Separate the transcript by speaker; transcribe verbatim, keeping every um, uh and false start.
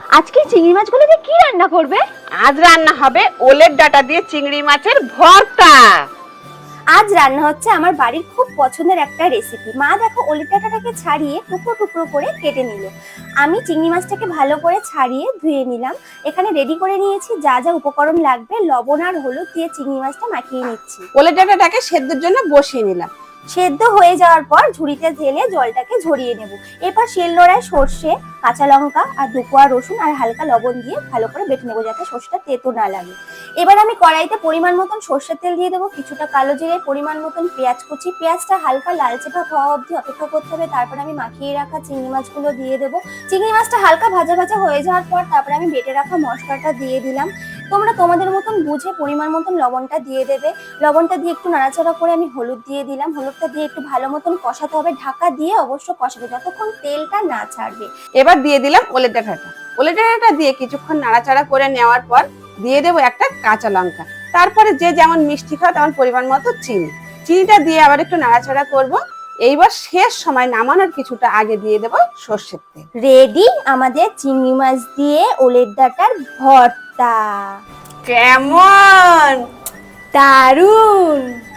Speaker 1: আজকে চিংড়ি মাছগুলো দিয়ে কি রান্না করবে?
Speaker 2: আজ রান্না হবে ওলের ডাঁটা দিয়ে চিংড়ি মাছের ভর্তা।
Speaker 3: আজ রান্না হচ্ছে আমার বাড়ির খুব পছন্দের একটা রেসিপি। মা দেখো ওলের ডাঁটাটাকে ছাড়িয়ে টুকরো টুকরো করে কেটে নিল। আমি চিংড়ি মাছটাকে ভালো করে ছাড়িয়ে ধুয়ে নিলাম। এখানে রেডি করে নিয়েছি যা যা উপকরণ লাগবে। লবণ আর হলুদ দিয়ে চিংড়ি মাছটা মাখিয়ে নিচ্ছি।
Speaker 2: ওলের ডাঁটাটাকে সেদ্ধর জন্য বসিয়ে নিলাম।
Speaker 3: সেদ্ধ হয়ে যাওয়ার পর ঝুড়িতে ঢেলে জলটাকে ঝরিয়ে নেব। এরপর শিলনোড়ায় সর্ষে, কাঁচা লঙ্কা আর দু কোয়া রসুন আর হালকা লবণ দিয়ে ভালো করে বেটে নেবো যাতে সর্ষেটা তেতো না লাগে। এবার আমি কড়াইতে পরিমাণ মতন সর্ষের তেল দিয়ে দেবো, কিছুটা কালো জিরে, পরিমাণ মতন পেঁয়াজ কুচি। পেঁয়াজটা হালকা লালচে ভাব হওয়া অবধি অপেক্ষা করতে হবে। তারপর আমি মাখিয়ে রাখা চিংড়ি মাছগুলো দিয়ে দেবো। চিংড়ি মাছটা হালকা ভাজা ভাজা হয়ে যাওয়ার পর তারপরে আমি বেটে রাখা মশলাটা দিয়ে দিলাম। তোমরা তোমাদের মতন বুঝে পরিমাণ মতন লবণটা দিয়ে দেবে। লবণটা দিয়ে একটু নাড়াচাড়া করে আমি হলুদ দিয়ে দিলাম। হলুদটা দিয়ে একটু ভালো মতন কষাতে হবে, ঢাকা দিয়ে অবশ্য কষাবে যতক্ষণ তেলটা না ছাড়বে।
Speaker 2: এবার দিয়ে দিলাম ওলের ডাঁটাটা। ওলের ডাঁটাটা দিয়ে কিছুক্ষণ নাড়াচাড়া করে নেওয়ার পর দিয়ে দেবো একটা কাঁচা লঙ্কা। তারপরে যে যেমন মিষ্টি খাও তেমন পরিমাণ মতো চিনি। চিনিটা দিয়ে আবার একটু নাড়াচাড়া করব। এইবার শেষ সময় নামানোর কিছুটা আগে দিয়ে দেবো সর্ষের তেল।
Speaker 3: রেডি আমাদের চিংড়ি মাছ দিয়ে ওলের ডাঁটার ভর্তা।
Speaker 2: কেমন?
Speaker 3: দারুন।